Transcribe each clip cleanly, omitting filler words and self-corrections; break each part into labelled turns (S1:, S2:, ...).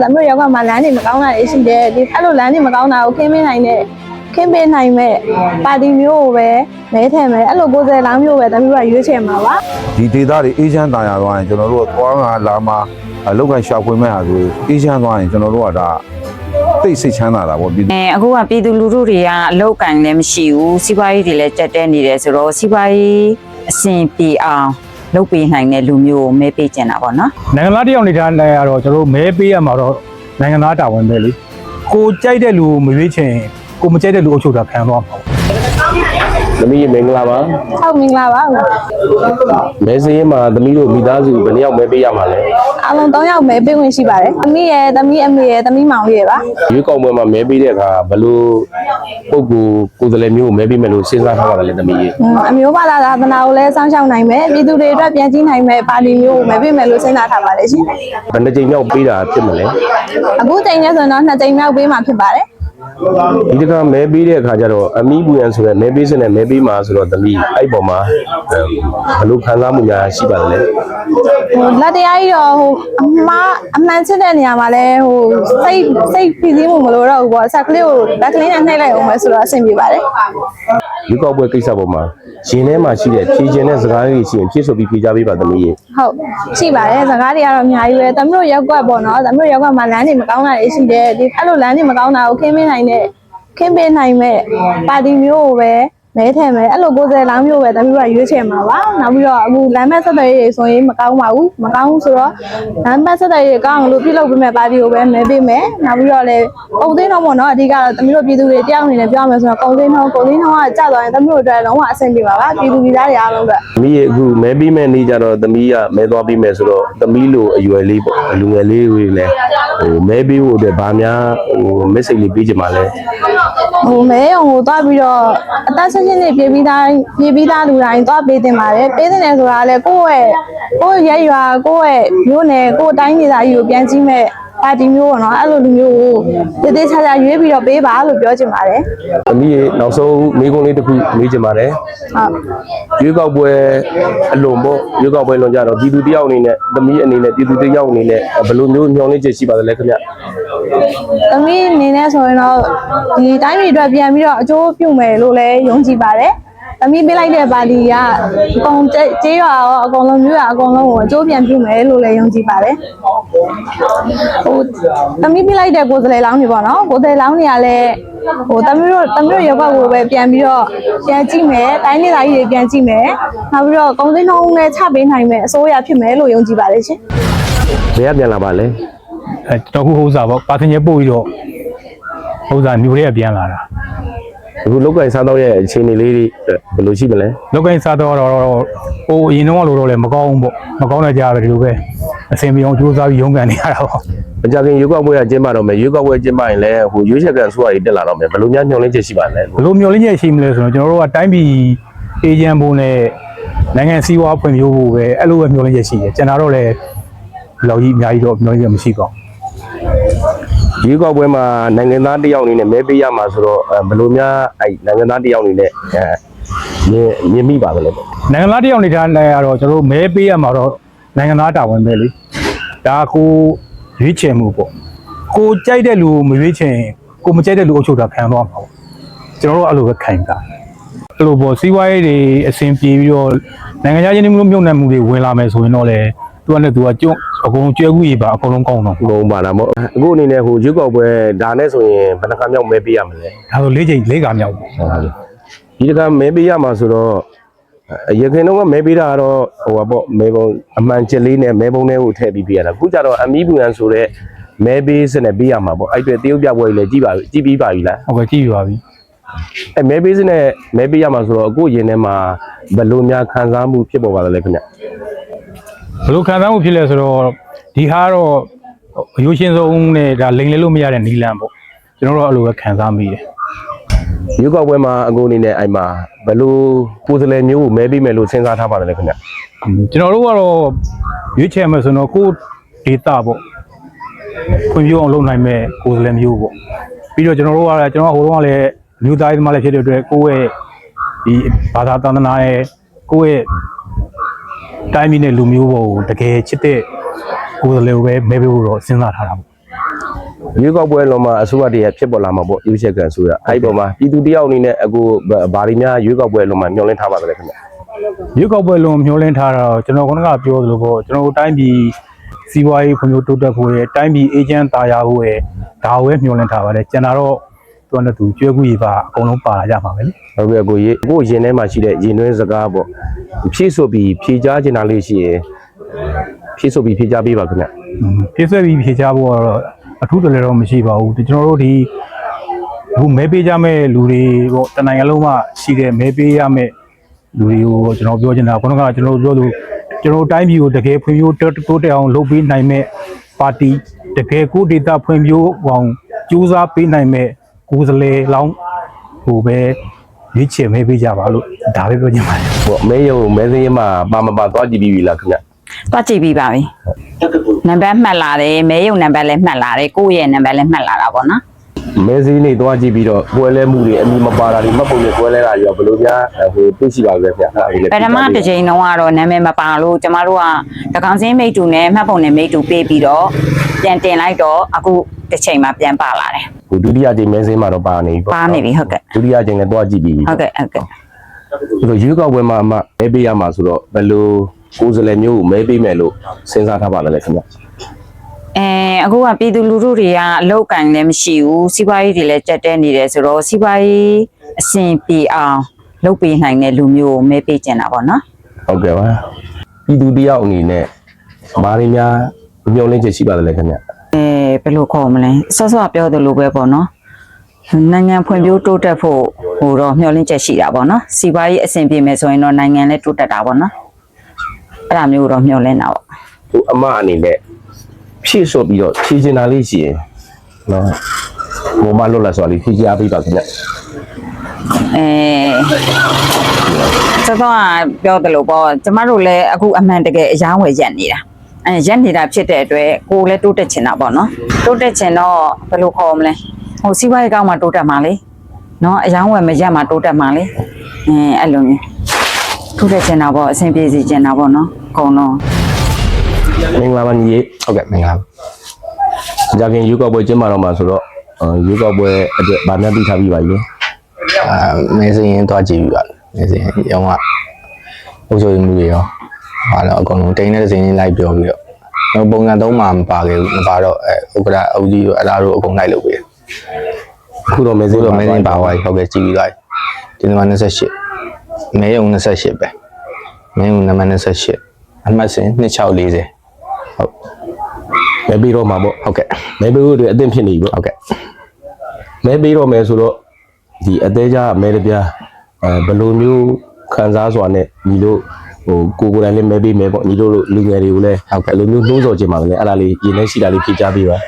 S1: 咱们要干嘛？男的没搞那的是的，你看到男的没搞那，我看没နိုင်的，看没နိုင်မဲ့ပါတီမျိုးပဲမဲထည့်မယ်အဲ့လို90လောင်းမျိုးပဲတမျိုးကရွေးချယ်မှာပါ
S2: ဒီဒေသတွေအေးချမ်းတာယာသွားရင်ကျွန်တော်တို့ကသွားငါလာမှာလောက်ကန်ရှာဖွေမဲ့ဟာဆိုအေးချမ်းသွားရင်ကျွန်တော်တို့ကဒါသိစိတ်ချမ်းသာတာပေါ့ပြည်သူ
S3: အခုကပြည်သူလူထုတွေကအလောက်ကန်လည်းမရှိဘူးစီးပွားရေးတွေလည်းတက်တဲနေတယ်ဆိုတော့စီးပွားရေးအဆင်ပြေအောင်လုပ်ပေးနိုင်တဲ့လူမျိုးကိုမဲပေးကျင်တာပေါ့နော်
S4: နိုင်ငံသားတယောက်နေတဲ့နေရာတော့ကျွန်တော်မဲပေးရမှာတော့နိုင်ငံသားတာဝန်ပဲလေကိုကြိုက်တဲ့လူကိုမရွေးချင်ကိုမကြိုက်တဲ့လူအုပ်ချုပ်တာခံသွားမှာ
S5: သမီးမင်္ဂလာပါ
S1: ဟုတ်မင်္ဂလာပါ
S5: မဲစင်းမှာသမီးတို့မိသားစုဘယ်နှယောက်မဲပေးရမှာလဲ
S1: အားလုံး3ယောက်မဲပေးဝင်ရှိပါတယ်သမီးရဲ့သမီးအမေရဲ့သမီးမောင်လေးရဲ့ပါ
S5: ရွေးကောက်ပွဲမှာမဲပေးတဲ့အခါဘယ်လိုပုဂ္ဂိုလ်ကိုယ်စားလှယ်မျိုးကိုမဲပေးမယ်လို့စဉ်းစားထားပါလဲသမီးရေ
S1: အမျိုးဘာသာသာသနာကိုလည်းစောင့်ရှောက်နိုင်မယ်ပြည်သူတွေအတွက်ပြန်ကြည့်နိုင်မယ်ပါတီမျိုးကိုမဲပေးမယ်လို့စဉ်းစားထားပါတယ်ရှင်
S5: ဘယ်နှကြိမ်မြောက်ပေးတာဖြစ်မလဲ
S1: အခုချိန်နဲ့ဆိုတော့2ချိန်မြောက်ပေးမှာဖြစ်ပါတယ်
S5: ဒီတခါမဲပေးတဲ့အခါကျတော့အမီးဘူးရန်ဆိုတဲ့မဲပေးစနဲ့မဲပေးမှာဆိုတော့သမီးအဲ့ပေါ်မှာဘယ်လိုခံစားမှုများရှိပါလဲ
S1: လက်တရားကြီးတော့အမှန်ချစ်တဲ့နေရာမှာလဲစိတ်ဖိစီးမှုမလို့တော့ဘူးပေါ့ဆက်ကလေးကိုလက်ကလေးနဲ့နှိပ်လိုက်အောင်ပဲဆိုတော့အဆင်ပြေပါတယ်
S5: ရွေးကောက်ပွဲကိစ္စပေါ်မှာရှင်ထဲမှာရှိတဲ့ဖြည့်ခြင်းတဲ့စကားလေးရှိရင်ဖြည့်ဆိုပြီးဖြေကြပေးပါသမီးရေ
S1: ဟုတ်ရှိပါတယ်စကားတွေကတော့အများကြီးပဲသမီးတို့ရက်ကွက်ပေါ့နော်သမီးတို့ရက်ကွက်မှာလမ်းတွေမကောင်းတာတွေရှိတယ်ဒီအဲ့လိုလမ်းတွေမကောင်းတာကိုခင်းပေးနိုင်မဲ့ပါတီမျိုးကိုပဲမဲထည့်မယ်အဲ့လို90လောင်းမျိုးပဲသမီးတို့ကရွေးချယ်မှာပါနောက်ပြီးတော့အခုလမ်းမဆက်သွယ်ရေးတွေဆိုရင်မကောင်းပါဘူးမကောင်းဘူးဆိုတော့လမ်းမဆက်သွယ်ရေးကောင်းလို့ပြုလုပ်ပေးမဲ့ပါတီကိုပဲမဲပေးမယ်နောက်ပြီးတော့လည်းကုန်သိန်းတော့ပေါ့နော်အဓိကတော့သမီးတို့ပြည်သူတွေတယောက်အနေနဲ့ပြောရမယ်ဆိုတော့ကုန်သိန်းတော့ကကြာသွားရင်သမီးတို့အတွက်လုံးဝအဆင်ပြေပါပါပြည်သူပြည်သားတွေအားလုံးအတွက်
S5: သမီးရေအခုမဲပေးမဲ့နေ့ကျတော့သမီးကမဲသွားပေးမယ်ဆိုတော့သမီးလိုအရွယ်လေးပေါ့လူငယ်လေးတွေလည်းမဲပေးဖို့အတွက်ဗာများmessage လေးပေးချင်ပါလဲ
S1: မဲရုံကိုသွားပြီးတော့အသက်16နှစ်ပြေးပြီးသားလူတိုင်းသွားပေးတင်ပါတယ်ပေးတင်တယ်ဆိုတာလည်းကိုယ့်ရဲ့ရွာကိုယ့်ရဲ့မျိုးနယ်ကိုယ့်တိုင်းဒေသကြီးကိုပြန်ကြည့်မဲ့ပါတီမျိုးပေါ့နော်အဲ့လိုလူမျိုးကိုတည်တည်ချာချာရွေးပြီးတော့ပေးပါလို့ပြောချင်ပါတယ်
S5: သမီးရေနောက်ဆုံးမိကုန်းလေးတစ်ခုမေးချင်ပါတယ်
S1: ဟုတ်
S5: ရွေးကောက်ပွဲအလွန်ပေါ့ရွေးကောက်ပွဲလွန်ကြတော့ပြည်သူတယောက်အနေနဲ့သမီးအနေနဲ့ပြည်သူတယောက်အနေနဲ့ဘယ်လိုမျိုးညှော်လင့်ချက်ရှိပါသလဲခင်ဗျ
S1: သမီးအနေနဲ့ဆိုရင်တော့ဒီတိုင်းပြည်အတွက်ပြန်ပြီးတော့အကျိုးပြုမယ်လို့လည်းယုံကြည်ပါတယ်သမီးပေးလိုက်တဲ့ပါတီကအကုန်ကျေးရွာရောအကုန်လုံးမြို့ရွာအကုန်လုံးကိုအကျိုးပြန်ပြုမယ်လို့လည်းယုံကြည်ပါတယ်သမီးပေးလိုက်တဲ့90လောင်းတွေပေါ့နော်90လောင်းတွေကလည်းသမီးတို့ရုပ်ဘက်ကိုပဲပြန်ပြီးတော့ပြန်ကြည့်မယ်တိုင်းဒေသကြီးတွေပြန်ကြည့်မယ်နောက်ပြီးတော့ကုန်စည်နှုန်းနဲ့ချပေးနိုင်မယ်အစိုးရဖြစ်မယ်လို့ယုံကြည်ပါတယ်ရှင်
S5: ဘယ်ကပြန်လာပါလဲ
S4: ကျွန်တော်ခုဥစ္စာပေါ့ပါတင်ရပို့ပြီးတော့ဥစ္စာမျိုးတွေကပြန်လာတာ
S5: အခုလောက်ကင်စားတော့ရဲ့အခြေအနေလေးတွေဘယ်လိုရှိမလဲ
S4: လောက်ကင်စားတော့ဟိုအရင်တော့လို့တော့လည်းမကောင်းဘူးပေါ့မကောင်းတဲ့ကြားပဲဒီလိုပဲအစင်ပြေအောင်ကြိုးစားပြီးရုန်းကန်နေရတာပေါ့
S5: မကြခင်ရွေးကောက်ပွဲကကျင်းပတော့မယ်ရွေးကောက်ပွဲကျင်းပရင်လည်းဟိုရွေးချယ်ကန်ဆိုရည်တက်လာတော့မယ်ဘယ်လိုများညှော်လင့်ချက်ရှိပါလဲ
S4: ဘယ်လိုမျိုးလင်းချက်ရှိမလဲဆိုတော့ကျွန်တော်တို့ကတိုင်းပြည်အေဂျင့်ဖို့နဲ့နိုင်ငံစည်းဝါးဖွံ့ဖြိုးဖို့ပဲအဲ့လိုပဲမျိုးလင်းချက်ရှိတယ်ကျွန်တော်တို့လည်းလောက်ကြီးအများကြီးတော့မျိုးလင်းချက်မရှိပါဘူး
S5: ရွေးကောက်ပွဲမှာနိုင်ငံသားတယောက်အနေနဲ့မဲပေးရမှာဆိုတော့ဘယ်လိုများအဲ့နိုင်ငံသားတယောက်အနေနဲ့မြင်မိပါသလဲ
S4: နိုင်ငံသားတယောက်နေတဲ့နေရာတော့ကျွန်တော်တို့မဲပေးရမှာတော့နိုင်ငံသားတာဝန်ပဲလေဒါကိုရွေးချယ်မှုပေါ့ကိုကြိုက်တဲ့လူကိုမရွေးချယ်ကိုမကြိုက်တဲ့လူအုပ်ချုပ်တာခံသွားမှာပေါ့ကျွန်တော်တို့အဲ့လိုပဲခံတာအဲ့လိုပေါ့စီးပွားရေးတွေအဆင်ပြေပြီးတော့နိုင်ငံခြားချင်းမြုပ်နှံမှုတွေဝင်လာမယ်ဆိုရင်တော့လေသူကလည်းသူကကျွန်းအကုန်လုံးကျွဲကူးရပါအကုန်လုံးကောင်းတော့
S5: ဘုံပါလားမို့အခုအနေနဲ့ဟိုရွေးကောက်ပွဲဒါနဲ့ဆိုရင်ဘယ်နှခါမြောက်မဲပေးရမလဲ
S4: ဒါဆို၄ချိန်၄ခါမြောက်ပေါ့
S5: ဒီတခါမဲပေးရမှာဆိုတော့ရခင်တော့မဲပေးတာကတော့ဟိုပါပေါ့မဲပုံအမှန်ချက်လေးနဲ့မဲပုံထဲကိုထည့်ပြီးပေးရတာအခုကျတော့အမီးဘူးရန်ဆိုတဲ့မဲပေးစနဲ့ပေးရမှာပေါ့အဲ့အတွက်တရုတ်ပြပွဲကြီးလည်းကြည်ပြီးပါပြီလား
S4: ဟုတ်ကဲ့ကြည့်ပြပါပြီ
S5: အဲမဲပေးစနဲ့မဲပေးရမှာဆိုတော့အခုရင်ထဲမှာဘယ်လိုများခံစားမှုဖြစ်ပေါ်ပါလဲခင်ဗျ
S4: ဘယ်လိုခံစားမှုဖြစ်လဲဆိုတော့ဒီဟာတော့အရိုးရှင်းဆုံးနဲ့ဒါလိန်လဲလို့မရတဲ့နီလန်ပေါ့ကျွန်တော်တို့အဲ့လိုပဲခံစားမိတယ်
S5: ရွေးကောက်ပွဲမှာအခုအနေနဲ့အဲ့မှာဘယ်လိုကိုယ်စားလှယ်မျိုးကိုမဲပေးမယ်လို့စဉ်းစားထားပါတယ်ခင်ဗျ
S4: ကျွန်တော်တို့ကတော့ရွေးချယ်မယ်ဆိုတော့ကိုယ်ဒေတာပေါ့ဖွံ့ဖြိုးအောင်လုပ်နိုင်မဲ့ကိုယ်စားလှယ်မျိုးပေါ့ပြီးတော့ကျွန်တော်တို့ကလည်းကျွန်တော်ဟိုတုန်းကလည်းမြို့သားရေးသမားလည်းဖြစ်တဲ့အတွက်ကိုယ့်ရဲ့ဒီဘာသာတန်တနာရဲ့ကိုယ့်ရဲ့တိုင်းပြည်နဲ့လူမျိုးပေါ်ကိုတကယ်ချစ်တဲ့ကိုယ်စားလှယ်ကိုပဲမဲပေးဖို့တော့စဉ်းစားထားတာပေါ့
S5: ရွေးကောက်ပွဲလုံးမှာအစိုးရတည်းဖြစ်ပေါ်လာမှာပေါ့ရွေးချယ်ခံဆိုရအဲ့ဒီပေါ်မှာပြည်သူတယောက်အနေနဲ့အခုဘာတွေများရွေးကောက်ပွဲလုံးမှာမျှော်လင့်ထားပါသလဲခင်ဗျ
S4: ရွေးကောက်ပွဲလုံးမျှော်လင့်ထားတာတော့ကျွန်တော်ကပြောသလိုပေါ့ကျွန်တော်တို့တိုင်းပြည်စီးပွားရေးဖွံ့ဖြိုးတိုးတက်ဖို့ရဲ့တိုင်းပြည်အေဂျင့်တာယာဖို့ရဲ့ဒါကိုပဲမျှော်လင့်ထားပါတယ်ကျန်တာတော့သူကတူကျွဲကူကြီးပါအကုန်လုံးပါလာကြမှာပဲလေ
S5: ဟုတ်ကဲ့ကိုရင်ထဲမှာရှိတဲ့ရင်တွင်းစကားပေါ့ဖြည့်ဆိုပြီးဖြည့်ကြားချင်တာလေးရှိရင်ဖြည့်ဆိုပြီးဖြည့်ကြားပေးပါခင်ဗျ
S4: ပြည့်စွက်ပြီးဖြေချဖို့ကတော့အထူးတလည်းတော့မရှိပါဘူးကျွန်တော်တို့ဒီအခုမဲပေးကြမဲ့လူတွေပေါ့တနိုင်ငံလုံးမှာရှိတဲ့မဲပေးရမဲ့လူတွေကိုကျွန်တော်ပြောချင်တာခုနကကျွန်တော်ပြောလို့ကျွန်တော်တိုင်းပြည်ကိုတကယ်ဖွံ့ဖြိုးတိုးတက်အောင်လုပ်ပေးနိုင်မဲ့ပါတီတကယ်ကိုဒေတာဖွံ့ဖြိုးအောင်ကြိုးစားပေးနိုင်မဲ့ကိုယ်စားလှယ်လောင်းဟိုပဲရွေးချယ်မဲပေးကြပါလို့ဒါပဲပြောချင်ပါတယ်
S5: ပေါ့မဲရုံမဲစင်းမှာပါမပါသွားကြည့်ပြီးပြီလားခင်ဗျ
S3: တွားကြည့်ပြီးပါပြီနံပါတ်မှတ်လာတယ်မဲရုံနံပါတ်လည်းမှတ်လာတယ်ကိုယ့်ရဲ့နံပါတ်လည်းမှတ်လာတာပေါ့နော်
S5: မဲစင်းနေသွားကြည့်ပြီးတော့ပွဲလဲမှုတွေအမိမပါတာတွေမှတ်ပုံတွေပွဲလဲတာတွေရောဘယ်လိုများဟိုသိရှိပါလဲခင်ဗျအဲ့ဒါလေးလည်း
S3: ပထမတစ်ချိန်တုန်းကတော့နာမည်မပါလို့ကျမတို့ကတကောင်စင်းမိတ်တူနဲ့မှတ်ပုံနဲ့မိတ်တူပေးပြီးတော့ပြန်တင်လိုက်တော့အခုတစ်ချိန်မှပြန်ပါလာတယ်
S5: ဟိုဒုတိယချိန်မဲစင်းမှာတော့ပါနေပြီပေါ့
S3: ပါနေပြီဟုတ်ကဲ့
S5: ဒုတိယချိန်လည်းသွားကြည့်ပြီးပြီ
S3: ဟုတ်ကဲ့ဟုတ်ကဲ့
S5: ဆိုတော့ရွေးကောက်ပွဲမှာအမမဲပေးရမှာဆိုတော့ဘယ်လိုကိုယ်စားလှယ်မျိုးကိုမဲပေးမယ်လို့စဉ်းစားထားပါလဲခင်ဗျ
S3: အခုကပြည်သူလူထုတွေကအလောက်ကန်လည်းမရှိဘူးစီးပွားရေးတွေလည်းကြက်တဲနေတယ်ဆိုတော့စီးပွားရေးအဆင်ပြေအောင်လုပ်ပေးနိုင်တဲ့လူမျိုးကိုမဲပေးကျင်တာပေါ့နော်
S5: ဟုတ်ကဲ့ပါပြည်သူတယောက်အနေနဲ့ဘာတွေများမျှော်လင့်ချက်ရှိပါသလဲခင်ဗျ
S3: ဘယ်လိုခေါ်မလဲဆော့ဆော့ပြောသလိုပဲပေါ့နော်နိုင်ငံဖွံ့ဖြိုးတိုးတက်ဖို့ဟိုတော့မျှော်လင့်ချက်ရှိတာပေါ့နော်စီးပွားရေးအဆင်ပြေမယ်ဆိုရင်တော့နိုင်ငံလည်းတိုးတက်တာပေါ့နော်အဲ့ဒါမျိုးတော့မျှော်လင့်တာပေါ့
S5: ဟိုအမအနေနဲ့ဖြည့်ဆို့ပြီးတော့ဖြည့်ချင်တာလေးရှိရင်နော်ဘုံမလွတ်လာဆိုလေးဖြည့်ချပေးပါခင်ဗျ
S3: စောစောကပြောသလိုပေါ့ကျမတို့လည်းအခုအမှန်တကယ်အယောင်းဝယ်ရက်နေတာရက်နေတာဖြစ်တဲ့အတွက်ကိုယ်လည်းတိုးတက်ချင်တာပေါ့နော်တိုးတက်ချင်တော့ဘယ်လိုခေါ်မလဲဟိုစီးပွားရေးကောင်းမှတိုးတက်မှာလေနော်အယောင်းဝယ်မရက်မှတိုးတက်မှာလေအဲ့လိုမျိုးတိုးတက်ချင်တာပေါ့အဆင်ပြေစီချင်တာပေါ့နော်အကုန်လုံး
S5: မင်္ဂလာပါညီလေး
S6: ဟုတ်ကဲ့မင်္ဂလာပါ
S5: ကြာခင်ရွေးကောက်ပွဲကျင်းပတော့မှာဆိုတော့ရွေးကောက်ပွဲအတွက်ဗာများသိထားပြီးပါပြီလေ
S6: မဲစင်းရင်တွားကြည့်ပြီးပါမဲစင်းရောင်းကအုပ်ချုပ်မှုတွေရောဟာတော့အကုန်လုံးတိန်တဲ့စင်းလိုက်ပြောပြီးတော့ပုံစံသုံးမှာမပါခဲ့ဘူးမပါတော့ဥက္ကရာအုပ်ကြီးတို့အလားတို့အကုန်လိုက်လုပ်ပေးတယ်
S5: အခုတော့မဲစ
S6: ဆို
S5: င်း
S6: တော့မဲစင်းပါသွားပြီဟုတ်ကဲ့ကြည့်ပြီးသွားပြီဒီနေ့မှ28မဲယုံ28ပဲမဲယုံနံပါတ်28အမှတ်စင်း2640ဟုတ်
S5: မဲပေးတော့မှာပေါ့
S6: ဟုတ်ကဲ့
S5: မဲပေးဖို့အတွက်အသင့်ဖြစ်နေပြီပေါ့
S6: ဟုတ်ကဲ့
S5: မဲပေးတော့မယ်ဆိုတော့ဒီအသေးကြမဲတပြားဘယ်လိုမျိုးခံစားစွာနဲ့ညီတို့ဟိုကိုယ်တိုင်လည်းမဲပေးမယ်ပေါ့ညီတို့လူငယ်တွေကိုလည်းဟုတ်ကဲ့လိုမျိုးနှိုးဆော်ခြင်းပါလေအဲ့ဒါလေးရင်းနှီးရှိတာလေးဖြေချပေးပါ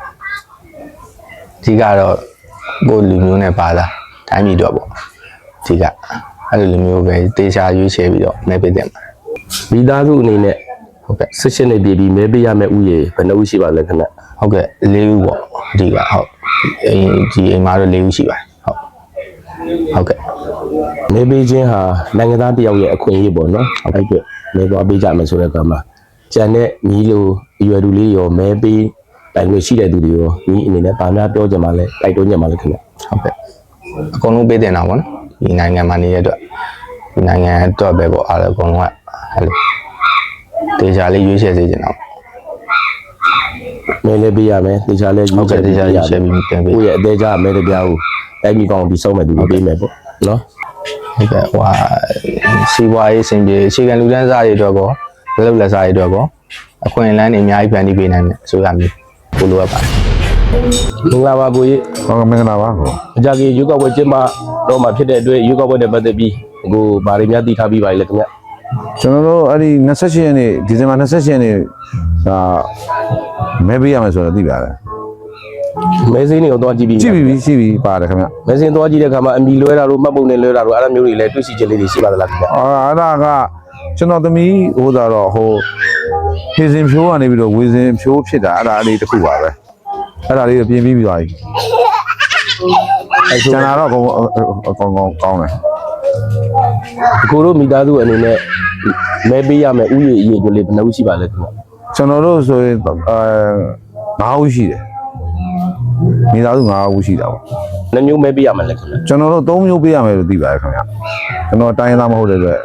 S6: ဒီကတော့ကိုလူမျိုးနဲ့ပါတာတိုင်းပြည်တော့ပေါ့ဒီကအဲ့လိုလူမျိုးပဲတေချာရွေးချယ်ပြီးတော့မဲပေးတယ်မှာ
S5: မိသားစုအနေနဲ့
S6: ဟုတ်ကဲ့
S5: 16နှစ်ပြည့်ပြီးမဲပေးရမယ့်ဥယေဘယ်နှဦးရှိပါလဲခင်ဗျ
S6: ဟုတ်ကဲ့၄ဦးပေါ့ဒီကဟုတ်ဒီအိမ်မှာတော့၄ဦးရှိပါတယ်ဟုတ်ကဲ့
S5: မဲပေးခြင်းဟာနိုင်ငံသားတယောက်ရဲ့အခွင့်အရေးပေါ့နော်အဲ့အတွက်မဲသွားပေးကြမယ်ဆိုတဲ့အခါမှာကြံတဲ့ညီလိုအရွယ်သူလေးရောမဲပေးတိုင်ခွင့်ရှိတဲ့သူတွေရောညီအနေနဲ့ဗာများပြောကြမှာလဲတိုက်တွန်းကြမှာလဲခင်ဗျ
S6: ဟုတ်ကဲ့အကုန်လုံးပေးတင်တာပေါ့နော်ဒီနိုင်ငံမှာနေတဲ့အတွက်ဒီနိုင်ငံအတွက်ပဲပေါ့အားလုံးအကုန်လုံးကအဲ့လိုတေချာလေးရွေးချယ်စေချင်တာပေါ့
S5: မဲလည်းပေးရမယ်တေချာလည်း
S6: ဟုတ်ကဲ့တေချာရွေးချယ်ပြီးတင်ပေး
S5: ကိုယ့်ရဲ့အသေးကြမဲတပြားကိုတိုက်မိကောင်းပြီးဆုံးမဲ့သူကိုပေးမယ်ပေါ့နော်
S6: ဟုတ်ကဲ့ဟိုစီးပွားရေးစင်ပြေအခြေခံလူတန်းစားတွေအတွက်ကောလက်လုပ်လက်စားတွေအတွက်ကောအခွင့်အလမ်းတွေအများကြီးဖန်တီးပေးနိုင်တယ်ဆိုရမျိုးကိုလိုအပ်ပါတယ်
S5: မင်္ဂလာပါကိုကြီး
S2: ဟုတ်ကဲ့မင်္ဂလာပါကို
S5: အကြကြီးရွေးကောက်ပွဲကျင်းပတော့မှာဖြစ်တဲ့အတွက်ရွေးကောက်ပွဲနဲ့ပတ်သက်ပြီးအခုဗားတွေများသိထားပြီးပါလေခင်ဗျ
S2: ကျွန်တော်တို့အဲ့ဒီ28ရက်နေ့ဒီဇင်ဘာ28ရက်နေ့ဒါမဲပေးရမယ်ဆိုတော့သိပါတယ်
S5: မဲစင်းတွေကိုသွားကြည့်ပြီး
S2: ကြည့်ပြီပါတယ်ခင်ဗျ
S5: မဲစင်းသွားကြည့်တဲ့အခါမှာအမီလွဲတာတို့မှတ်ပုံနဲ့လွဲတာတို့အဲ့လိုမျိုးတွေလည်းတွေ့ရှိချက်လေးတွေရှိပါသလားခင်ဗျ
S2: အဲ့ဒါကကျွန်တော်သမီးဟိုသာတော့ဟိုဖြေစင်ဖြိုးကနေပြီးတော့ဝေစင်ဖြိုးဖြစ်တာအဲ့ဒါလေးတစ်ခုပါပဲအဲ့ဒါလေးပြင်ပြီးသွားပြီကျန်တာတော့အကုန်ကောင်းတယ်
S5: အခုတို့မိသားစုအနေနဲ့မဲပေးရမယ်ဥယျာဉ်အရေးတွေလေးဘယ်နှဦးရှိပါလဲခင်ဗျ
S2: ကျွန်တော်တို့ဆိုရင်9ဦးရှိတယ်မိသားစု9ဦးရှိတာပေါ့
S5: နှမျိုးမဲပေးရမှာလဲခင်ဗျ
S2: ကျွန်တော်တို့3မျိုးပေးရမယ်လို့သိပါတယ်ခင်ဗျကျွန်တော်တိုင်းရင်းသားမဟုတ်တဲ့အတွက်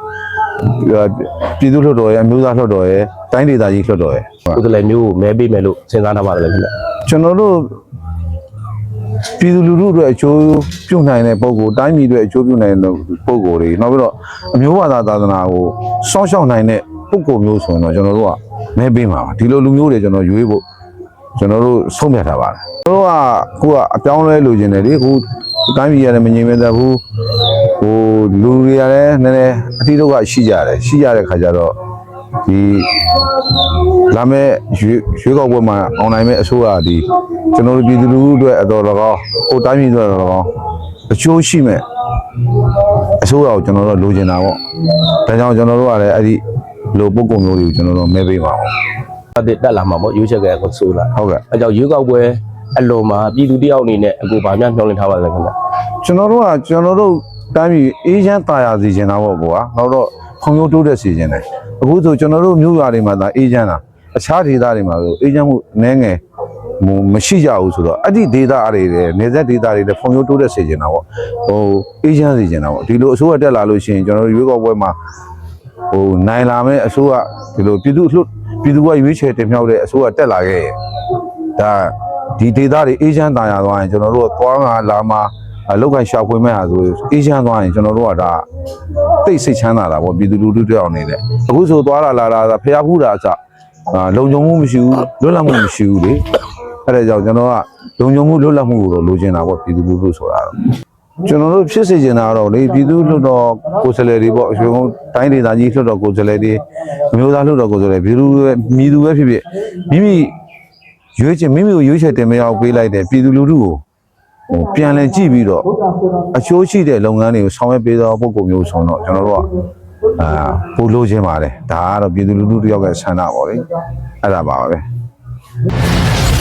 S2: ပြည်သူ့လွှတ်တော်ရဲ့အမျိုးသားလွှတ်တော်ရဲ့တိုင်းဒေသကြီးလွှတ်တော်ရဲ့
S5: ကိုယ်တည်းမျိုးကိုမဲပေးမယ်လို့စဉ်းစားထားပါတယ်ခင်ဗျ
S2: ကျွန်တော်တို့ပြည်သူလူထုအတွက်အကျိုးပြုနိုင်တဲ့ပုံကိုတိုင်းပြည်အတွက်အကျိုးပြုနိုင်တဲ့ပုံကိုတွေနောက်ပြီးတော့အမျိုးဘာသာသာသနာကိုစောင့်ရှောက်နိုင်တဲ့ပုံကိုမျိုးဆိုရင်တော့ကျွန်တော်တို့ကမဲပေးမှာပါဒီလိုလူမျိုးတွေကျွန်တော်ရွေးဖို့ကျွန်တော်တို့ဆုံးဖြတ်ထားပါတယ်ကျွန်တော်ကခုကအပြောင်းလဲလိုချင်တယ်လေခုတိုင်းပြည်ရတယ်မငြိမ်မသက်ဘူးဟိုလူတွေရတယ်နည်းနည်းအတိတ်ကရှိကြတဲ့ခါကျတော့ဒီလာမဲ့ရွေးကောက်ပွဲမှာအွန်လိုင်းမဲ့အစိုးရဒီကျွန်တော်တို့ပြည်သူလူထုအတွက်အတော်တော်ကောင်းဟိုတိုင်းပြည်အတွက်တော်တော်ကောင်းအချိုးရှိမဲ့အစိုးရကိုကျွန်တော်တို့လိုချင်တာပေါ့ဒါကြောင့်ကျွန်တော်တို့ကလည်းအဲ့ဒီလိုပုံကုံမျိုးတွေကိုကျွန်တော်တို့မဲပေးပါအောင်
S5: တက်လာမှာပေါ့ရွေးချယ်ခဲ့ကိုဆိုလာ
S2: ဟုတ်ကဲ့
S5: အဲကြောင့်ရွေးကောက်ပွဲအလုံးမှာပြည်သူတယောက်အနေနဲ့အခုဗာများမျှော်လင့်ထားပါလဲခင်ဗျ
S2: ကျွန်တော်တို့တိုင်းပြည်အေးချမ်းသာယာစေချင်တာပေါ့ကွာနောက်တော့ဖွံ့ဖြိုးတိုးတက်စေချင်တယ်အခုဆိုကျွန်တော်တို့မြို့ရွာတွေမှာဒါအေးချမ်းတာအခြားဒေသတွေမှာဆိုအေးချမ်းမှုနည်းငယ်မရှိကြဘူးဆိုတော့အဲ့ဒီဒေသတွေနေဆက်ဒေသတွေလည်းဖွံ့ဖြိုးတိုးတက်စေချင်တာပေါ့ဟိုအေးချမ်းစေချင်တာပေါ့ဒီလိုအစိုးရတက်လာလို့ရှိရင်ကျွန်တော်တို့ရွေးကောက်ပွဲမှာဟိုနိုင်လာမဲ့အစိုးရဒီလိုပြည်သူကရွေးချယ်တင်မြှောက်တဲ့အစိုးရတက်လာခဲ့ရင်ဒါဒီဒေသတွေအေးချမ်းသာယာသွားရင်ကျွန်တော်တို့ကသွားငါလာမှာအလောက်ကန်ရှာဖွေမဲ့ဟာဆိုအေးချမ်းသွားရင်ကျွန်တော်တို့ကဒါတိတ်စိတ်ချမ်းသာတာပေါ့ပြည်သူလူထုတွေအောင်နေတယ်အခုဆိုသွားလာဖျားဖူးတာအစလုံခြုံမှုမရှိဘူးလွတ်လပ်မှုမရှိဘူးလေအဲ့ဒါကြောင့်ကျွန်တော်ကလုံခြုံမှုလွတ်လပ်မှုကိုတော့လိုချင်တာပေါ့ပြည်သူလူထုဆိုတာတော့ကျွန်တော်တို့ဖြစ်စေချင်တာတော့လေပြည်သူလွှတ်တော်ကိုယ်စားလှယ်တွေပေါ့အရှင်တိုင်းဒေသကြီးလွှတ်တော်ကိုယ်စားလှယ်တွေအမျိုးသားလွှတ်တော်ကိုယ်စားလှယ်ပြည်သူပဲဖြစ်ဖြစ်မိမိကိုရွေးချယ်တင်မြှောက်ပေးလိုက်တဲ့ပြည်သူလူထုကိုပြန်လည်ကြည့်ပြီးတော့အချိုးရှိတဲ့လုပ်ငန်းတွေကိုဆောင်ရွက်ပေးသောပုံကိုမျိုးဆုံးတော့ကျွန်တော်တို့ကပို့လို့ခြင်းပါတယ်ဒါကတော့ပြည်သူလူထုတယောက်ရဲ့ဆန္ဒပေါ့လေအဲ့ဒါပါပဲ